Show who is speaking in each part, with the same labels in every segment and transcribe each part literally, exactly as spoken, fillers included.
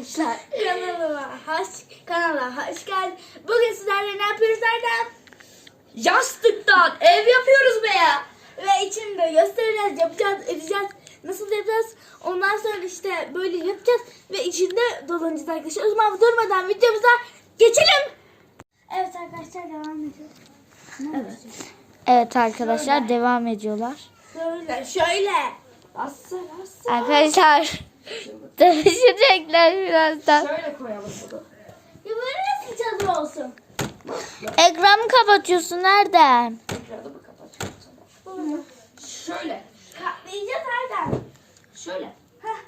Speaker 1: arkadaşlar. Kanalıma hoş, kanala hoş geldin. Bugün sizlerle ne yapıyoruz Erdem?
Speaker 2: Yastıktan ev yapıyoruz be ya.
Speaker 1: Ve içinde göstereceğiz, yapacağız, edeceğiz. Nasıl yapacağız? Ondan sonra işte böyle yapacağız. Ve içinde dolanacağız arkadaşlar. O zaman durmadan videomuza geçelim. Evet arkadaşlar devam ediyoruz.
Speaker 2: Evet.
Speaker 3: Evet arkadaşlar
Speaker 1: Şöyle.
Speaker 3: devam ediyorlar.
Speaker 1: Şöyle, şöyle.
Speaker 2: Asla asla.
Speaker 3: Arkadaşlar dövüşecekler birazdan.
Speaker 2: Şöyle koyalım bunu.
Speaker 1: Ya böyle nasıl çadır olsun?
Speaker 3: Ekranı kapatıyorsun nereden?
Speaker 2: Ekranı mı kapatacağım sana?
Speaker 1: Bunu
Speaker 2: Şöyle.
Speaker 1: katlayacağız Erdem.
Speaker 2: Şöyle.
Speaker 1: Heh.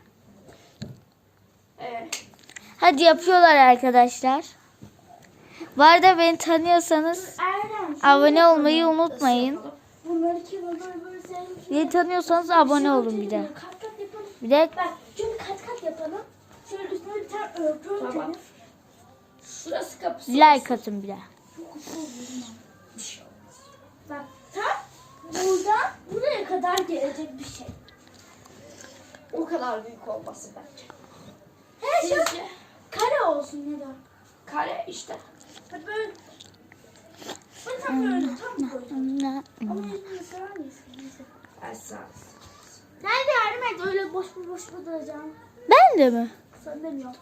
Speaker 2: Evet.
Speaker 3: Hadi yapıyorlar arkadaşlar. Bu arada beni tanıyorsanız
Speaker 1: Erdem. şöyle
Speaker 3: abone
Speaker 1: yapalım.
Speaker 3: olmayı unutmayın.
Speaker 1: Bunları kim böyle böyle sevmiş.
Speaker 3: Beni tanıyorsanız abone olun bir de.
Speaker 1: Kat kat yapalım.
Speaker 3: Bir de
Speaker 1: Bak şöyle kat kat yapalım. Şöyle üstüne bir tane örtü örtelim.
Speaker 2: Tamam. Şurası kapısı.
Speaker 3: like atın bir de.
Speaker 1: Çok güzel olur. Bak tam buradan buraya kadar gelecek bir şey.
Speaker 2: O kadar büyük olmasın bence.
Speaker 1: He şu
Speaker 2: Sizce?
Speaker 1: kare olsun ne der?
Speaker 2: Kare işte.
Speaker 1: Bak böyle. Böyle tam böyle tam koyacağım. Ama yüzünü sever miyiz? Neyse.
Speaker 2: Asla.
Speaker 1: Nerede yardım et öyle boş mu boş mu duracağım.
Speaker 3: Ben de mi?
Speaker 1: Sen demiyorum.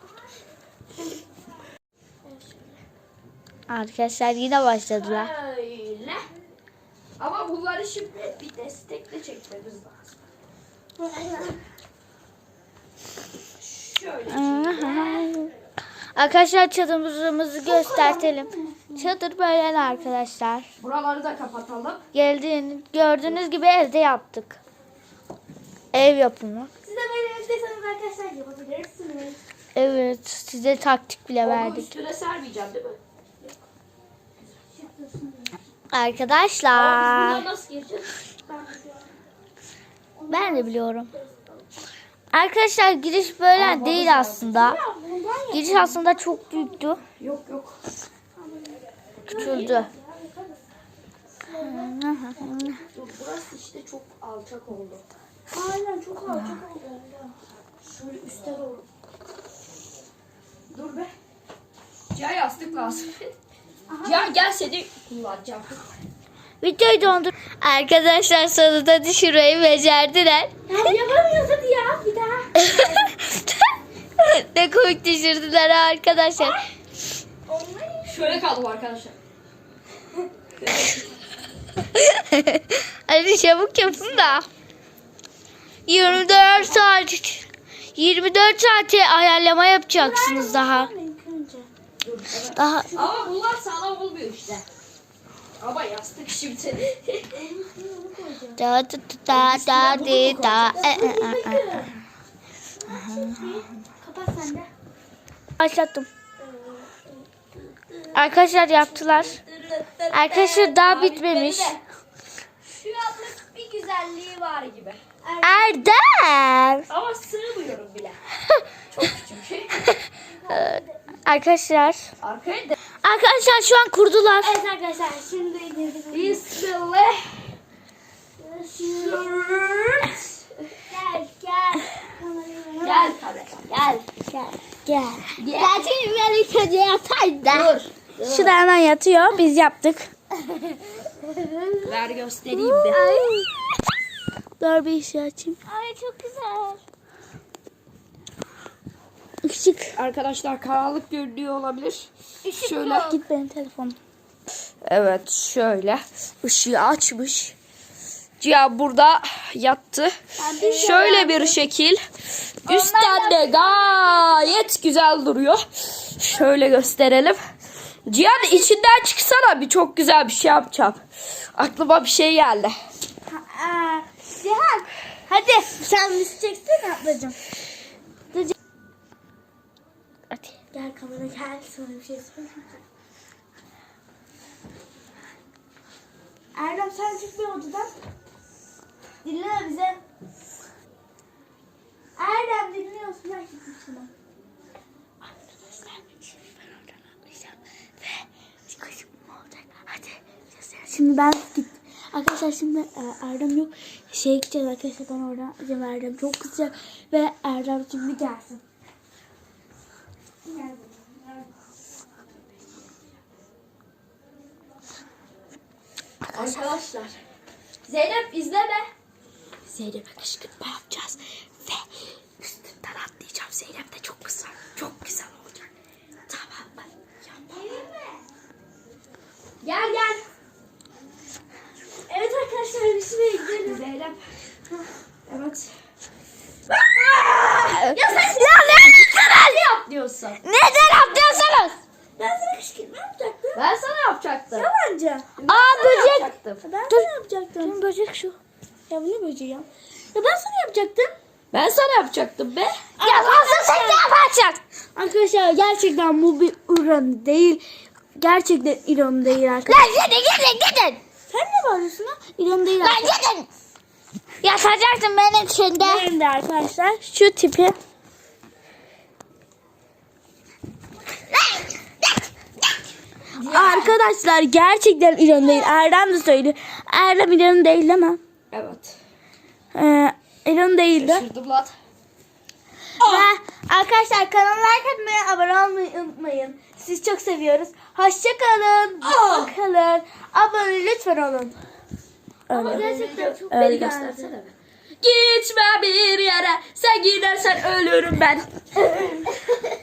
Speaker 3: Arkadaşlar yine başladılar.
Speaker 2: Öyle. Ama bunları şimdi bir destekle çekmemiz lazım. Şöyle.
Speaker 3: Arkadaşlar çadırımızı göstertelim. Çadır böyle arkadaşlar.
Speaker 2: Buraları da kapatalım.
Speaker 3: Geldiğiniz gördüğünüz gibi evde yaptık. Ev yapımı.
Speaker 1: Siz de böyle evdeyseniz arkadaşlar yapabilirsiniz.
Speaker 3: Evet, size taktik bile
Speaker 2: Onu
Speaker 3: verdik.
Speaker 2: üstüne sermeyeceğim değil mi? Ama biz
Speaker 3: Arkadaşlar,
Speaker 2: buradan nasıl gireceğiz?
Speaker 3: ben de biliyorum. Arkadaşlar giriş böyle değil aslında. Giriş aslında çok büyüktü.
Speaker 2: Yok yok.
Speaker 3: Küçüldü.
Speaker 2: Dur, burası işte çok alçak oldu.
Speaker 1: Aynen çok ağır çok oldu.
Speaker 2: Şöyle üstte doğru. Dur be. Cihan yastık lazım. Cihan gel seni kullanacağım.
Speaker 3: Videoyu dondur. Arkadaşlar sonunda düşürmeyi becerdiler.
Speaker 1: Ya yapamıyoruz hadi ya bir daha.
Speaker 3: Ne komik düşürdüler arkadaşlar.
Speaker 2: Şöyle kaldım arkadaşlar.
Speaker 3: Hadi çabuk yapın da. yirmi dört saat yirmi dört saate ayarlama yapacaksınız daha.
Speaker 2: Dur, evet.
Speaker 3: Daha
Speaker 2: Ama bunlar sağlam olmuyor işte. Ama yastık şimdi.
Speaker 3: da da da da da da.
Speaker 1: Kapat sen de.
Speaker 3: Başlattım. Arkadaşlar yaptılar. Arkadaşlar daha bitmemiş.
Speaker 2: Şu anlık bir güzelliği var gibi.
Speaker 3: Erdem.
Speaker 2: Ama sığmıyorum bile. Çok küçük.
Speaker 3: Arkadaşlar.
Speaker 2: Arkaya da.
Speaker 3: Arkadaşlar şu an kurdular.
Speaker 1: Evet arkadaşlar şimdi
Speaker 2: Bismillah.
Speaker 1: gel gel.
Speaker 2: Gel kardeşim gel.
Speaker 3: Gel. Gel.
Speaker 2: Gel.
Speaker 3: Gerçekten ben ilk önce yatayım da.
Speaker 2: Dur.
Speaker 3: Şurada hemen yatıyor. Biz yaptık.
Speaker 2: Ver göstereyim bir.
Speaker 3: Dur bir işi açayım.
Speaker 1: Ay çok güzel.
Speaker 3: Işık.
Speaker 2: Arkadaşlar karanlık görünüyor olabilir. Şöyle.
Speaker 3: Git benim telefonum.
Speaker 2: Evet şöyle. Işığı açmış. Cihan burada yattı. Şöyle bir şekil. Üstten de gayet güzel duruyor. Şöyle gösterelim. Cihan içinden çıksana, bir çok güzel bir şey yapacağım. Aklıma bir şey geldi.
Speaker 1: Aa, Cihan hadi sen müzik ablacığım.
Speaker 3: Hadi.
Speaker 1: Gel kamera gel sana bir şey söyleyeyim. Erdem sen çık bir odadan. Dinle bize. Erdem dinliyorsun ben gittim şuna.
Speaker 3: Arkadaşlar şimdi ben oradan atlayacağım ve çıkışım olacak. Hadi.
Speaker 1: Şimdi ben git. Arkadaşlar şimdi e, Erdem yok. Şeye gideceğiz arkadaşlar ben oradan atlayacağım. Erdem çok kızacak ve Erdem şimdi gelsin.
Speaker 2: Arkadaşlar. Zeynep izleme. Zeynep'e kışkırtma yapacağız. Ve üstünden atlayacağım. Zeynep de çok güzel. Çok güzel olacak. Tamam mı? Gel gel.
Speaker 1: Evet arkadaşlar bir şuraya gidelim.
Speaker 2: Zeynep. Evet.
Speaker 3: Ya sen ya ne
Speaker 2: Ne atlıyorsun?
Speaker 3: Neden atlıyorsunuz?
Speaker 1: Ben sana kışkırtma yapacaktım.
Speaker 2: Ben sana yapacaktım.
Speaker 1: Yalancı.
Speaker 3: Aa böcek.
Speaker 2: Yapacaktım.
Speaker 1: Ben sana yapacaktım.
Speaker 3: Böcek şu.
Speaker 1: Ya bu ne böceği ya? Ya ben sana yapacaktım.
Speaker 2: Ben sana yapacaktım be.
Speaker 3: Ya nasıl sen ne yapacaksın?
Speaker 1: Arkadaşlar gerçekten bu bir ironi değil. Gerçekten ironi değil arkadaşlar.
Speaker 3: Lan gidin gidin gidin.
Speaker 1: Sen ne bağırıyorsun ha? İroni değil
Speaker 3: Lan
Speaker 1: arkadaşlar.
Speaker 3: gidin. Yaşayacaksın benim içinde.
Speaker 1: Benim de arkadaşlar şu tipi. Arkadaşlar gerçekten ironi değil. Erdem de söylüyor. Erdem ironi değil değil mi?
Speaker 2: Evet.
Speaker 1: Ee, ironi değildi.
Speaker 2: Şırdım lan.
Speaker 1: Ve arkadaşlar kanala like atmayı, abone olmayı unutmayın. Sizi çok seviyoruz. Hoşça kalın.
Speaker 2: Aa!
Speaker 1: Kalın. Abone lütfen olun.
Speaker 2: Ama
Speaker 1: Öyle.
Speaker 2: gerçekten çok
Speaker 1: Öyle
Speaker 2: beni
Speaker 1: geldi.
Speaker 2: göstersene be. Gitme bir yere. Sen gidersen ölürüm ben.